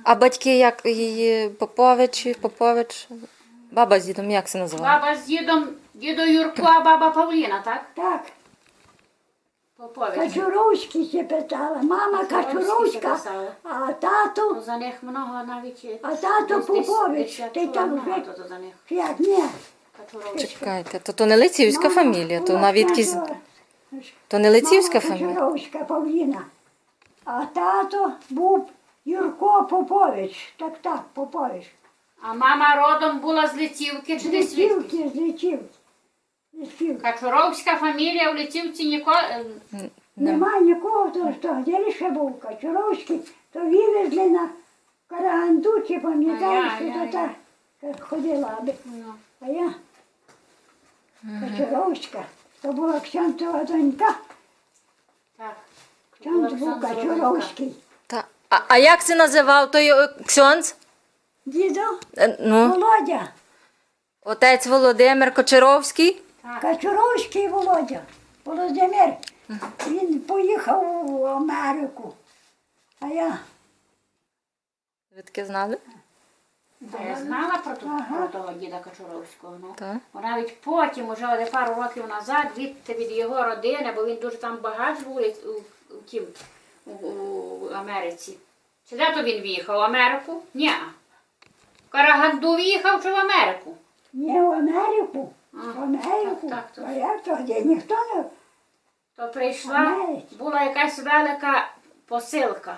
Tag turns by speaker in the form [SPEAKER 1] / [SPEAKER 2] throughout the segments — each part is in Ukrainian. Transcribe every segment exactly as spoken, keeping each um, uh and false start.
[SPEAKER 1] А батьки як її Попович, Попович? Баба з дідом, як це називає?
[SPEAKER 2] Баба з дідом, дідо Юрко, а баба Павліна, так?
[SPEAKER 3] Так,
[SPEAKER 2] Попович.
[SPEAKER 3] Качуровський ще питала. Мама
[SPEAKER 2] Качуровський ще
[SPEAKER 3] Качуровська,
[SPEAKER 2] писала.
[SPEAKER 3] а тато,
[SPEAKER 2] Ну, за них много навіть.
[SPEAKER 3] а тато
[SPEAKER 2] десь- десь-
[SPEAKER 3] Попович.
[SPEAKER 2] десь як
[SPEAKER 3] Ти
[SPEAKER 2] то
[SPEAKER 3] там
[SPEAKER 2] багато
[SPEAKER 3] вже
[SPEAKER 2] то за них.
[SPEAKER 3] як ні.
[SPEAKER 2] Качуровський.
[SPEAKER 1] Чекайте, то то не лицівська
[SPEAKER 3] Мама
[SPEAKER 1] фамілія, то
[SPEAKER 3] була
[SPEAKER 1] навіть якісь...
[SPEAKER 3] Качура-
[SPEAKER 1] То не лицівська
[SPEAKER 3] Мама
[SPEAKER 1] фамілія?
[SPEAKER 3] Качуровська Павліна. А тато був Юрко Попович. Так, так, Попович.
[SPEAKER 2] А мама родом була з Литівки чи десь звідки?
[SPEAKER 3] Личівки, з Личівки. Личівки.
[SPEAKER 2] Качуровська фамілія в Литівці ніколи...
[SPEAKER 3] Нема нікого, то що де лише був Качуровський, то вивезли на Караганду, чи пам'ятаєш, що
[SPEAKER 2] Ай-яй-яй.
[SPEAKER 3] то так ходила, аби.
[SPEAKER 2] Ну.
[SPEAKER 3] А я Качуровська, то була Ксянтова донька,
[SPEAKER 2] Так.
[SPEAKER 3] Ксянт був
[SPEAKER 2] Олександр
[SPEAKER 3] Качуровський.
[SPEAKER 1] Та. А, а як це називав той е, ксьондз?
[SPEAKER 3] Дідо
[SPEAKER 1] Е, Ну,
[SPEAKER 3] Володя,
[SPEAKER 1] отець Володимир Кочаровський?
[SPEAKER 3] Качуровський Володя, Володимир, він поїхав у Америку, а я
[SPEAKER 1] Ви таке знали?
[SPEAKER 2] Та я знала про, ту-
[SPEAKER 3] Ага.
[SPEAKER 2] про того діда Качуровського. Ну.
[SPEAKER 1] Так.
[SPEAKER 2] Бо навіть потім, уже один пару років назад, відти від його родини, бо він дуже там багач був у, у, у, тім, у, у Америці. Чи де то він в'їхав? В Америку? Ні. В Караганду в'їхав чи в Америку?
[SPEAKER 3] не в Америку,
[SPEAKER 2] А,
[SPEAKER 3] в Америку,
[SPEAKER 2] так, так,
[SPEAKER 3] а я то де ніхто не...
[SPEAKER 2] То прийшла,
[SPEAKER 3] Америці.
[SPEAKER 2] була якась велика посилка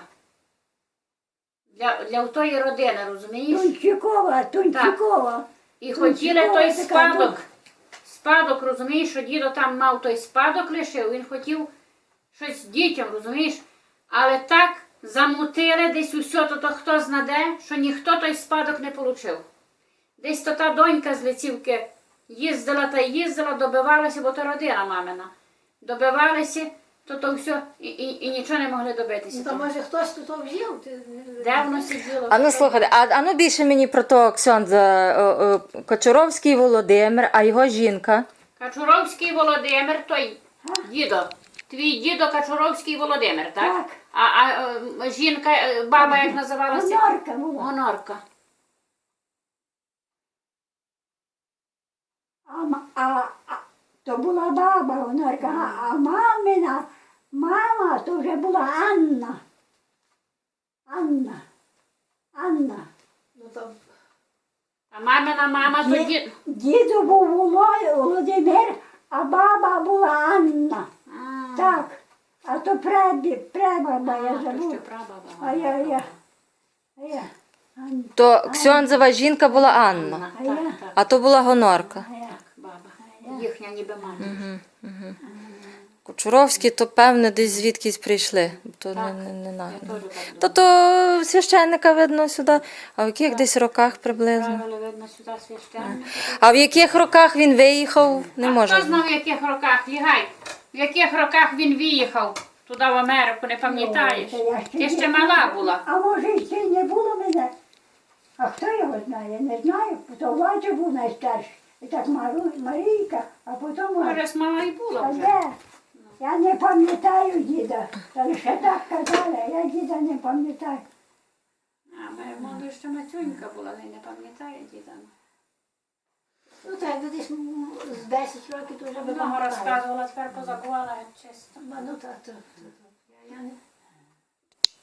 [SPEAKER 2] для, для тої родини, розумієш?
[SPEAKER 3] Тунчикова, Тунчикова.
[SPEAKER 2] І
[SPEAKER 3] Тунчикова
[SPEAKER 2] хотіли той
[SPEAKER 3] така
[SPEAKER 2] спадок.
[SPEAKER 3] дух.
[SPEAKER 2] Спадок, розумієш, що дідо там мав той спадок лишив, він хотів щось дітям, розумієш? Але так замутили десь усе, то, то хто знаде, що ніхто той спадок не отримав. Десь то та донька з Лицівки їздила та їздила, добивалася, бо то родина мамина. Добивалися, то то все, і, і, і нічого не могли добитися.
[SPEAKER 4] Ну, то може хтось тут взяв? Ти-
[SPEAKER 2] Де воно сиділо?
[SPEAKER 1] А ну слухайте, а, а ну більше мені про того ксьондза о, о, Кочаровський Володимир, а його жінка?
[SPEAKER 2] Качуровський Володимир, той дідо. Твій дідо Качуровський Володимир, так?
[SPEAKER 3] Так.
[SPEAKER 2] А, а е, жінка, е, баба як називалася?
[SPEAKER 3] Гонорка була.
[SPEAKER 2] Гонорка.
[SPEAKER 3] А, ма- а, а, то була баба Гонорка, а, а мамина, мама то вже була Анна. Анна. Анна.
[SPEAKER 4] Ну, то
[SPEAKER 2] А мамина мама то
[SPEAKER 3] Ді-
[SPEAKER 2] дід.
[SPEAKER 3] Діду був Воло- Володимир, а баба була Анна.
[SPEAKER 2] А,
[SPEAKER 3] Так. А то пребі, пребаба, я
[SPEAKER 2] а, то ще
[SPEAKER 3] забула.
[SPEAKER 2] прабаба.
[SPEAKER 3] А я, я, а я, Анна.
[SPEAKER 1] То ксьондзова жінка була Анна,
[SPEAKER 3] А я,
[SPEAKER 2] Так, так,
[SPEAKER 1] а то була Гонорка.
[SPEAKER 3] а я.
[SPEAKER 2] так, баба. Їхня ніби мама.
[SPEAKER 1] Кочуровські, то певне десь звідкись прийшли. То не, не, не, на-
[SPEAKER 2] Я теж так
[SPEAKER 1] То
[SPEAKER 2] думаю.
[SPEAKER 1] то священника видно сюди. А в яких десь роках приблизно?
[SPEAKER 2] Правили, видно, сюди священника.
[SPEAKER 1] А в яких роках він виїхав, не
[SPEAKER 2] А
[SPEAKER 1] може.
[SPEAKER 2] хто знав, в яких роках? Лігай, в яких роках він виїхав туди в Америку, не пам'ятаєш?
[SPEAKER 3] Ой, та я
[SPEAKER 2] Ти
[SPEAKER 3] не
[SPEAKER 2] ще
[SPEAKER 3] знаю.
[SPEAKER 2] мала була.
[SPEAKER 3] А може ще й не було мене? А хто його знає? Не знаю. То Владя був найстарший. І так Мару, Марійка, а потім...
[SPEAKER 2] Може, мала і була
[SPEAKER 3] А
[SPEAKER 2] вже.
[SPEAKER 3] де? Я не пам'ятаю діда. Та лише так казали, а я діда не пам'ятаю.
[SPEAKER 2] А, моя мама ще матюнька була, але не пам'ятає діда.
[SPEAKER 4] ну, так, якби десь м, з десять років то вже би
[SPEAKER 2] Много
[SPEAKER 4] пам'ятала.
[SPEAKER 2] розказувала, тепер позабувала чисто.
[SPEAKER 4] Ну, так, то, то, то. Я, я не...